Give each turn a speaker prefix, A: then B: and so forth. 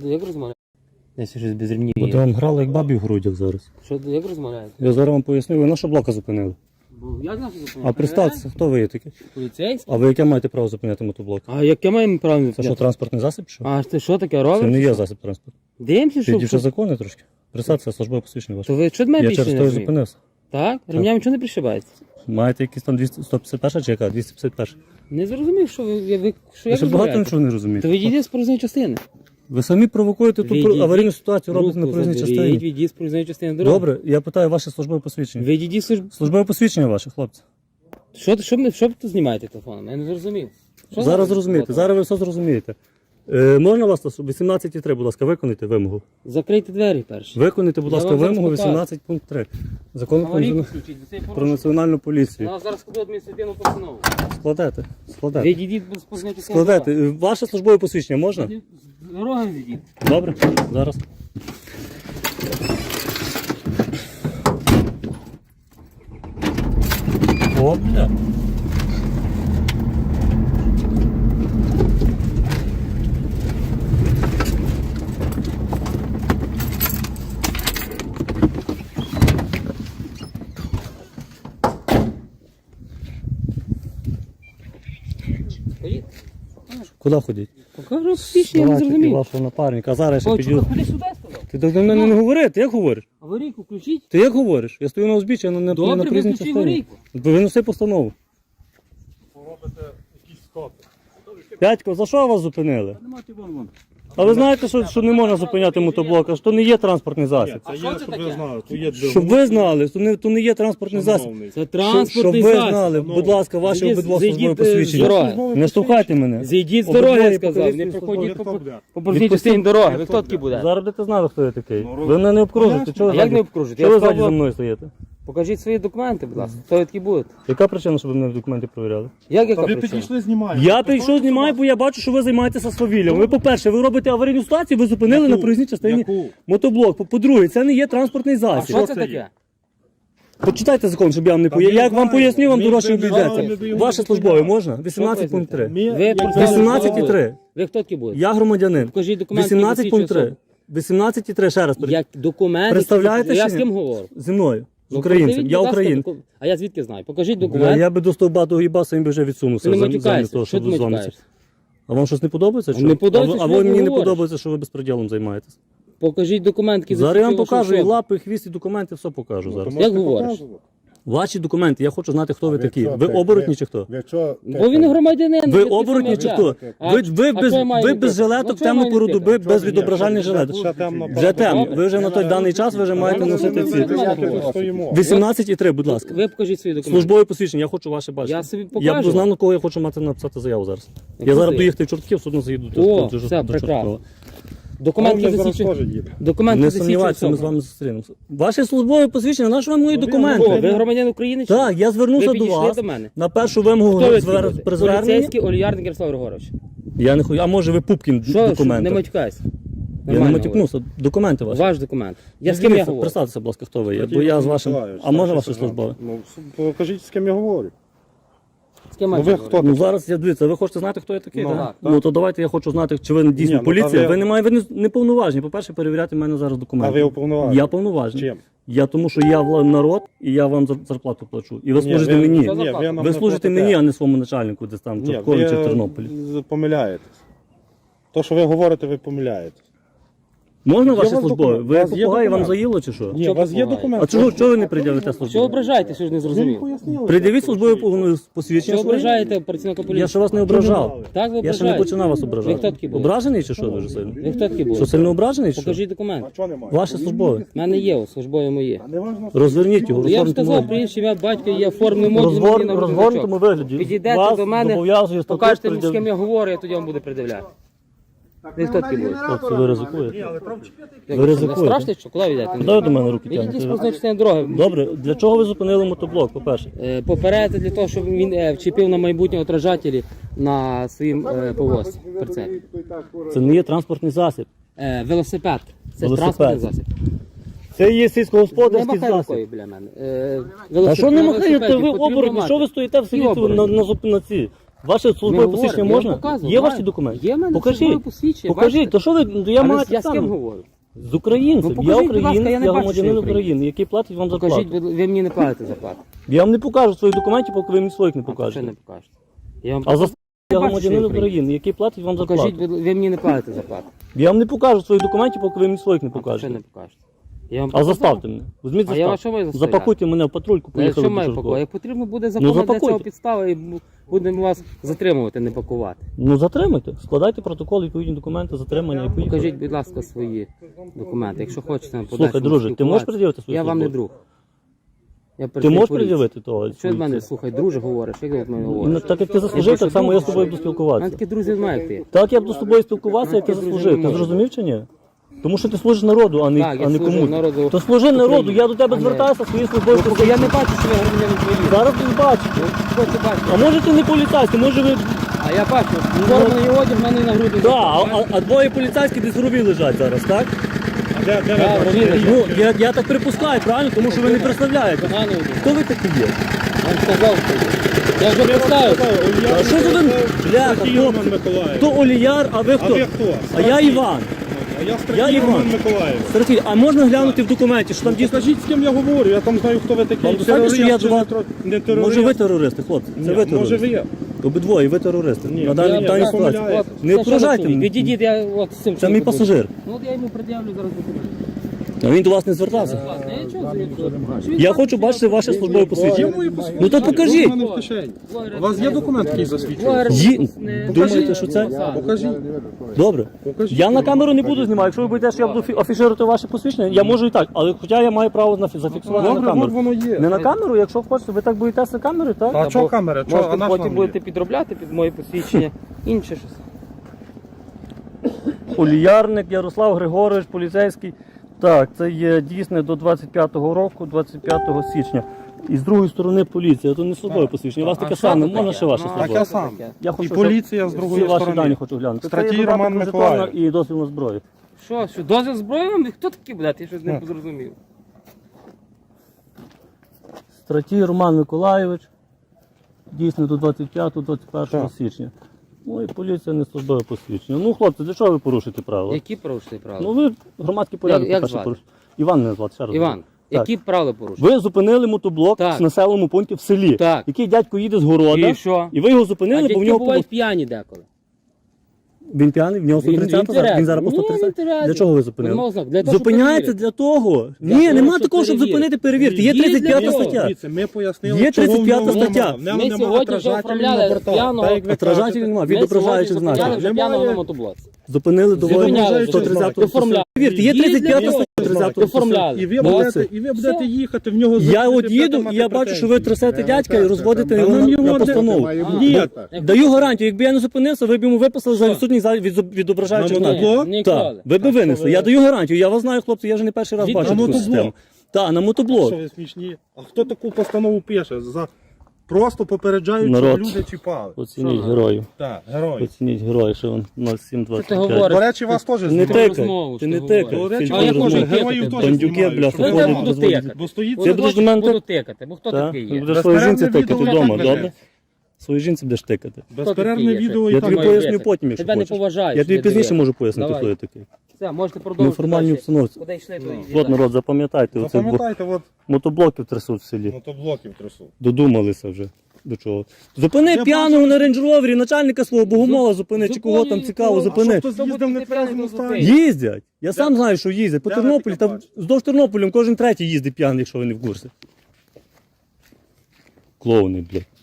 A: Як розмовляєте? Я щось без ремнів.
B: Бо ти вам грали як бабі в грудях зараз.
A: Що, як розмовляєте?
B: Я зараз вам поясню, ви наша блока зупинили.
A: Бо я знаю, що зупиняю.
B: А представтеся, хто ви є такі?
A: Поліцейський?
B: А ви яке маєте право зупиняти мотоблок?
A: А яке маємо право?
B: Це що, транспортний засіб? Що?
A: А це що таке
B: Це
A: робить?
B: не є засіб транспорту.
A: Дивимося, що...
B: Підівши закони трошки. Представтеся, службове посвідчення ваше.
A: То ви що до мене
B: Я
A: більше
B: через
A: не
B: те і
A: розумієте?
B: зупинився.
A: Так? Ремнями чого не пришибається?
B: Маєте якісь там 151 чи яка? 251.
A: Не зрозумів, що ви що
B: Ви
A: як
B: ще багато
A: розмовляєте.
B: нічого не
A: То
B: розумієте.
A: відійдіть з проїзної частини.
B: Ви самі провокуєте ту
A: Відійдіть.
B: аварійну ситуацію, робите на проїзній частині.
A: Відійдіть з проїзної частини дороги.
B: Добре, я питаю ваше службове посвідчення.
A: Відійдіть служб...
B: Службове посвідчення ваше, хлопці.
A: Що ви тут знімаєте телефоном? Я не зрозумів. Що
B: Зараз
A: за-
B: зрозумієте, зараз ви все зрозумієте. Можна вас 18.3, будь ласка, виконайте вимогу.
A: Закрийте двері перші.
B: Виконайте, будь
A: Я
B: ласка,
A: вам зараз
B: вимогу
A: покажу.
B: 18 пункт 3. Закону
A: Аварійку
B: про,
A: включіть, за цей
B: про
A: порушення.
B: національну поліцію.
A: Я зараз складу адміністративну постанову.
B: Складете.
A: Відійдіть з проїзної частини
B: Складете. Ваше службове посвідчення можна?
A: дороги. З дороги відійдіть.
B: Добре, зараз. О, бля.
A: Ходіть.
B: Куди ходіть?
A: Покажу пішні, я не
B: Давайте, і
A: зрозумів.
B: вашого напарника. А зараз я ще
A: Ой,
B: підійду.
A: ходи сюди, сказав.
B: Ти до мене не говори, ти як говориш?
A: Аварійку включіть.
B: Ти як говориш? Я стою на узбіччі, а не на
A: Добре,
B: проїзній
A: виключи
B: частині.
A: аварійку.
B: Виноси постанову. П'ятько, за що вас зупинили? А ви знаєте, що не можна зупиняти мотоблок, а що не є транспортний засіб?
A: А що це таке?
B: Щоб ви знали, то не є транспортний засіб.
A: Це
B: Щоб
A: транспортний
B: ви
A: засіб.
B: знали, будь ласка, ваші
A: Зайдіть,
B: обидва
A: зайдіть,
B: службові
A: з
B: посвідчення.
A: дороги.
B: Не штовхайте мене.
A: Зійдіть з
B: Обидва
A: дороги, я
B: є
A: сказав. Не
B: покровительство
A: проходіть
B: службових.
A: по проїзній частині дороги. Ви хто такі буде?
B: Зараз будете знати, хто я такий. Ви мене не обкружите. Чого
A: А
B: ви
A: як не
B: ззаді-
A: обкружити?
B: Чого
A: Я
B: ви ззаді
A: сказав,
B: за мною стоїте?
A: покажіть свої документи, будь ласка. Хто ви такі будете?
B: Яка причина, щоб ви мене документи перевіряли?
A: Яка
C: Ви
A: причина?
C: підійшли, знімаєте.
B: Я прийшов, знімаю, бо я бачу, що ви займаєтеся свавіллям. Ви, по-перше, ви робите аварійну ситуацію, ви зупинили на проїзній частині
C: Яку?
B: мотоблок. По-друге, це не є транспортний
A: А
B: засіб.
A: що це таке?
B: Почитайте закон, щоб я вам не
C: Та
B: пояснив.
C: ми
B: Як вам
C: знаємо.
B: поясню, вам
C: Ми
B: дорожче
C: вже знаємо,
B: обійдеться.
C: ми
B: Ваше службове можна? 18 пункт 3.
A: Ви
B: 18,3.
A: Ви хто такі будете?
B: Я громадянин.
A: Покажіть документи,
B: 18 пункт 3.
A: які
B: 18,3, ще раз.
A: Як документи?
B: Представляєте
A: Я
B: чи
A: з
B: ні?
A: ким говорю?
B: Зі мною. З
A: Ну,
B: українцем.
A: придивіть,
B: Я
A: будь ласка,
B: українець.
A: А я звідки знаю? Покажіть документ.
B: Я би до стовба до гібаса, він би вже відсунувся
A: Ти не
B: замість
A: матюкаєшся.
B: того,
A: Що
B: щоб
A: ти
B: з вами.
A: матюкаєшся?
B: А вам щось не подобається? Що?
A: Не подобається,
B: А
A: що
B: ви
A: ти
B: мені не
A: говориш.
B: подобається, що ви безпреділом займаєтесь.
A: Покажіть документ, який
B: Зараз я вам
A: засвідчує вашу
B: покажу і
A: особу.
B: лапи, і хвіст, і документи, все покажу зараз.
A: Як говориш?
B: Ваші документи, я хочу знати, хто ви такі.
C: що,
B: Ви
C: ви-
B: оборотні чи хто?
C: Ви що?
A: Бо він громадянин.
B: Ви
A: такий
B: оборотні
A: самий,
B: чи
A: як
B: хто?
A: я.
B: Ви без жилеток,
A: Ну,
B: темну
A: чого
B: пору
A: мені
B: доби,
A: тикати?
B: без відображальних жилеток. Вже темно. Ви вже на той даний час ви вже маєте носити ці. 18,3, будь ласка.
A: Ви покажіть свої документи.
B: Службове посвідчення, я хочу ваше бачити.
A: Я собі
B: Я
A: покажу.
B: б знав, на кого я хочу мати написати заяву зараз. Я
A: Куди?
B: зараз доїхати в Чортків, судно заїду.
A: О,
B: до
A: все,
B: до
A: прекрасно.
B: Чорткова.
A: Документ, який
C: зараз
A: засвідчує.
C: теж їде.
A: Документ,
B: Не
A: який засвідчує
B: сумнівайтеся, ми з
A: особу.
B: вами зустрінемося. Ваше службове посвідчення, на що вам мої
A: О,
B: документи?
A: ви громадян України? чи ні?
B: Так, я звернувся
A: Ви
B: до
A: підійшли
B: вас
A: до мене.
B: на першу вимогу
A: Хто ви такі будете?
B: при зверненні.
A: Поліцейський олігарник Ярослав Григорович.
B: Я не хочу, а може ви Пупкін
A: Що, не
B: документи?
A: матюкайся.
B: Я не
A: Нормально
B: матюкнувся, документи
A: говорю.
B: ваші.
A: Ваш документ. Я з ким я говорю?
B: Представтеся, будь ласка, хто ви є, бо я з вашим... А може ваше службове?
C: Ну, покажіть, з ким я говорю.
A: З ким
C: Ну,
A: я
C: ви
A: говорю?
C: хто?
B: Ну зараз я дивіться, ви хочете знати, хто я такий?
A: Ну,
B: так?
A: так,
B: Ну то давайте я хочу знати, чи ви дійсно
C: Ні, ну,
B: поліція.
C: та
B: Ви не маєте, ви не повноважені. По-перше, перевіряти в мене зараз документи.
C: А ви уповноважені?
B: Я повноважений.
C: Чим?
B: Я тому, що я народ і я вам зарплату плачу. І ви служите
C: ви-
B: мені.
C: Ні, ви нам
B: Ви
C: не
B: служите
C: платите.
B: мені, а не своєму начальнику десь там в
C: Ні,
B: Чорткові чи в
C: ви
B: Тернополі.
C: помиляєтесь. То, що ви говорите, ви помиляєтесь.
B: Можна
C: Є
B: ваше
C: у вас
B: службове?
C: документ?
B: Ви
C: У вас є
B: попугай, вам
C: документ?
B: заїло чи що?
C: Ні,
A: Що
C: у вас є
A: попугай?
C: документ?
B: А чого ви не пред'явите
A: Що
B: службове?
A: ображаєте, що ж не
C: Ви
A: зрозумів?
C: пояснили.
B: Придивіть службове посвідчення.
A: Що
B: своє.
A: ображаєте працівника
B: Я
A: поліції?
B: ще вас не ображав.
A: Так, ви
B: Я ще не
A: ображаєте.
B: починав вас
A: Ви хто
B: ображати.
A: такі були?
B: Ображений чи що дуже сильно?
A: Ви хто такі
B: Що
A: були?
B: сильно ображений? Чи що?
A: Покажіть документ.
C: А чого немає?
B: Ваше службове.
A: У мене є, у службові мої.
C: Не важно.
B: Розверніть його,
A: Я б
B: розгорніть
A: сказав, прізвище, ім'я, батько, є формний модуль.
B: розгорнутому вигляді.
A: Підійдете
B: Вас
A: до мене,
B: зобов'язує статут
A: покажете мені, з
B: пред'яв-
A: ким я говорю, я тоді вам буду пред'являти. Ви хто такі були?
B: Хлопці, ви ризикуєте.
A: Як,
B: Ви
A: не
B: ризикуєте.
A: страшно, що? Куди ви йдете?
B: Куди ви до мене руки
A: Відійдіть з
B: тягнете?
A: проїзної частини дороги.
B: Добре, для чого ви зупинили мотоблок, по-перше?
A: Попередити для того, щоб він вчепив на майбутнє отражателі на своїм повозці. Прицепі.
B: Це не є транспортний засіб.
A: Велосипед. Це
B: Велосипед.
A: транспортний засіб.
B: Це є
A: Не
B: сільськогосподарський
A: махай
B: засіб.
A: рукою біля мене.
B: А що не махаєте? Ви
A: потрібно
B: оборотні?
A: мати.
B: Що ви стоїте в селі
A: Які оборотні?
B: на ці? Ваше службове
A: говоримо,
B: посвідчення
A: я
B: можна?
A: показую,
B: Є
A: маю.
B: ваші документи?
A: Є в мене
B: Покажіть.
A: службове посвідчення,
B: Покажіть,
A: бачите?
B: то що ви, я
A: Але
B: маю
A: я
B: так
A: з ким
B: само.
A: говорю?
B: З українцем.
A: Ну,
B: Я
A: покажіть, будь ласка,
B: українець,
A: я не
B: я
A: бачу,
B: громадянин
A: що ви
B: України, який платить вам
A: Покажіть,
B: зарплату.
A: ви мені не платите зарплату.
B: Я вам не покажу своїх документів, поки ви мені своїх не
A: Що не
B: покажете.
A: покажете? Я вам
B: А за я
A: бачу,
B: громадянин
A: що
B: України, який платить вам зарплату.
A: Покажіть, ви мені не платите зарплату.
B: Я вам не покажу своїх документів, поки ви мені своїх не
A: Що
B: покажете.
A: не покажете? Я вам
B: А
A: показав.
B: заставте мене. Візьміть
A: А я вас
B: заставте.
A: що маю заставляти?
B: Запакуйте мене в патрульку,
A: Та якщо
B: поїхали
A: маю
B: до
A: пакувати,
B: Чорткова.
A: як потрібно буде законна для
B: запакуйте.
A: цього підстава і будемо вас затримувати, не пакувати.
B: Ну затримайте, складайте протокол, відповідні документи, затримання і поїхали.
A: Покажіть, будь ласка, свої документи. Якщо хочете на
B: Слухай, друже, ти можеш пред'явити свої
A: Я вам не
B: службові?
A: друг. Я
B: Ти
A: працюю
B: можеш
A: в поліції.
B: пред'явити того?
A: Що від мене, слухай, друже, говориш, як ти від мене
B: Ну,
A: говориш?
B: так як ти заслужив, так само я з тобою буду
A: У мене
B: спілкуватися.
A: такі друзі немає, як ти.
B: Так я буду з тобою спілкуватися, як ти
A: Такі друзі
B: заслужив.
A: не
B: Ти
A: можуть.
B: зрозумів чи ні? Тому що ти служиш народу, а не,
A: Так, я
B: а не
A: служу
B: комусь.
A: народу
B: То служи народу,
A: України,
B: я до тебе
A: а не-
B: звертаюся своєю службою.
A: Ну, я не бачу, що ви громадянин України.
B: Зараз ти бачиш.
A: Хто це бачить?
B: А може ти не поліцейський, може ви...
A: А я бачу, зроблений одяг в мене на груди.
B: Так, а двоє поліцейські десь в рові лежать зараз, так?
C: Де ви
A: Так,
C: бачите?
A: Рові лежать.
B: Ну, я так припускаю, правильно? Тому що ви не представляєте.
A: Поганий одяг.
B: Хто ви такі є?
A: Вам сказав, що я вже представив.
B: А що за ви? Бляха,
C: Стратій Роман
B: хлопці.
C: Миколаїв.
B: Хто Оліяр, а ви
C: А
B: хто?
C: ви хто?
B: А я Іван.
C: А я
B: Я
C: Стратій
B: Іван.
C: Роман Миколаїв.
B: Сергій, а можна глянути в документі, що там дійсно...
C: Скажіть, з ким я говорю, я там знаю, хто ви такий.
B: Вам достатньо, що я
C: чи
B: до вас-
C: не терорист?
B: Може ви терористи, хлопці? Це ви
C: Може
B: терористи.
C: ви є.
B: Обидвоє, ви терористи.
C: Ні,
B: На даній
C: ні,
B: даній
C: ви
B: ситуації.
C: помиляєтесь.
B: Не ображайте мене.
A: Відійдіть, я от з цим.
B: Це мій пасажир.
A: Ну от я йому пред'явлю зараз документи.
B: А він до вас не звертався.
A: Власне, я нічого
B: Я хочу бачити ваше службове посвідчення. Ну то покажіть.
C: У мене в кишені. У вас є документ, який засвідчує?
B: Думаєте, що це?
C: Покажіть.
B: Добре.
C: Покажіть.
B: Я на камеру не буду знімати. Якщо ви будете, що я буду афішувати ваше посвідчення, я можу і так. Але хоча я маю право зафіксувати на
C: Добре, от
B: камеру.
C: воно є.
B: Не на камеру, якщо хочете, ви так боїтеся камери, так?
C: А чого камера? Чого? А
A: Можете
C: наш
A: потім
C: вам
A: будете
C: є?
A: підробляти під моє посвідчення. Інше щось.
B: Оліярник Ярослав Григорович, поліцейський. Так, це є дійсне до 25-го року, 25 січня. І з другої сторони поліція. То не службове посвідчення. У вас таке саме, можна ще ваше
C: Таке
B: службове?
C: саме.
B: Я хочу,
C: І
B: щоб
C: поліція з
B: всі
C: другої
B: ваші дані
C: сторони.
B: хочу глянути.
C: Стратій
B: Це є
C: Роман
B: додаток до жетона
C: Миколаїв.
B: і дозвіл на зброю.
A: Що, дозвіл зброї вам? Хто такий, блядь? Я щось не зрозумів.
B: Стратій Роман Миколаївич. Дійсно до 25-21
C: Так.
B: січня. Ну і поліція не службове посвідчення. Ну, хлопці, для чого ви порушуєте правила?
A: Які порушили правила?
B: Ну ви громадський порядок
A: Як
B: по-перше,
A: звати?
B: порушуєте. Іван мене звати, ще раз.
A: Іван,
B: говорю. Так.
A: які правила порушили?
B: Ви зупинили мотоблок
A: Так.
B: в населеному пункті в селі,
A: Так.
B: який дядько їде з города,
A: І що?
B: і ви його
A: А
B: зупинили, бо в
A: дядьки
B: нього
A: бувають п'яні деколи.
B: він п'яний, в нього 130 зараз, він зараз по
A: Ні, він
B: 130.
A: тверезий.
B: Для чого ви
A: Нема
B: зупинили?
A: ознак. Для того, щоб
B: Зупиняється
A: перевірити.
B: для того.
A: Для
B: Ні,
A: того,
B: нема
A: щоб
B: такого, щоб
A: перевірити.
B: зупинити, перевірити. Є
A: Є
B: 35
A: для того.
B: стаття.
C: Дивіться, ми пояснили,
B: Є
C: чого в
B: 35
C: ньому
B: стаття.
C: нема. В ньому
A: Ми
C: нема
A: сьогодні вже
C: отражателів
A: оформляли
C: на бортах.
A: п'яного-
C: Так, як ви
B: Отражателів
C: кажете.
B: нема,
A: Ми
B: відображаючих
A: сьогодні
B: знаків.
A: зупиняли вже
C: Немає.
A: п'яного на мотоблоці.
B: Зупинили до
A: Зупиняли,
B: 130
A: оформляли.
B: Повірте, є
A: Є
B: 35
A: для
B: стаття.
A: того.
B: 30
A: Оформляли.
C: І ви
B: Молодці.
C: будете
A: Все.
C: їхати в нього.
B: Я
C: зупинити,
B: от їду,
C: будете
B: і
C: мати
B: я бачу, що ви
C: претензії.
B: трясете дядька і розводите
C: Та
B: його
C: нам
B: на
C: його
B: постанову.
C: Ні,
B: Даю гарантію, якби я не зупинився, ви б йому виписали за відсутність відображаючих
C: На
B: знаків.
C: мотоблок?
A: Ніколи.
B: Так, ви б винесли. Я даю гарантію. Я вас знаю, хлопці, я вже не перший раз
A: Від-
B: бачу
C: на
B: таку
C: мотоблок?
B: систему. Так, на мотоблок.
C: Що ви смішні? А хто таку постанову пише? Просто попереджають,
B: Народ.
C: щоб люди чіпали.
B: Оцініть
A: Що?
B: героїв.
C: Так, герой.
B: Оцініть героїв, що він
A: Що ти
B: 0725.
A: говориш?
C: До речі, вас теж
B: Не
C: знімають.
B: тикай,
A: розмову,
B: ти
A: що
B: не
A: ти
B: тикай.
A: говориш.
C: До речі,
B: Фільм
A: А я
B: розмови.
A: можу
C: героїв
A: тикати.
C: теж
B: Бандюки,
C: знімають,
B: бляха,
C: щоб
A: Я
C: ви
B: ходять,
A: тебе
C: знали.
A: буду
B: розводять.
A: тикати.
C: Бо стоїть
B: Ти будеш до мене
A: Буду
B: так?
A: тикати, бо хто
B: Так,
A: такий
B: ти
A: є?
B: будеш своїй жінці
C: Безперервне
B: тикати
C: відео
B: вдома,
C: і так
B: добре? Своїй жінці будеш тикати.
C: Безперервне
A: такий є?
C: відео
B: Я
C: і
B: тобі
C: так.
A: Давай,
B: поясню
A: Весик.
B: потім, якщо
A: Тебе не
B: хочеш.
A: поважають,
B: Я тобі
A: не
B: пізніше
A: дивись.
B: можу пояснити,
A: Давай.
B: хто я такий.
A: Все, можете
B: В
A: продовжити.
B: неформальній
A: далі.
B: обстановці.
A: Куди йшли, то йдіть
B: От
A: далі.
B: народ, запам'ятайте, оце
C: Запам'ятайте, от
B: мотоблоків трясуть в селі.
C: мотоблоків трясу.
B: Додумалися вже. До чого? Зупини
C: Я
B: п'яного на рейндж-ровері, начальника свого богомола зупини, чи кого там
A: Зупинюй,
B: цікаво,
A: кого?
B: зупини.
C: Хто з'їздив не в трезвому стані?
B: Їздять. Я сам знаю, що їздять. По
C: Де ви
B: Тернополі,
C: таке
B: там здовж Тернополем кожен третій їздить п'яний, якщо ви не в курсі. Клоуни, блядь.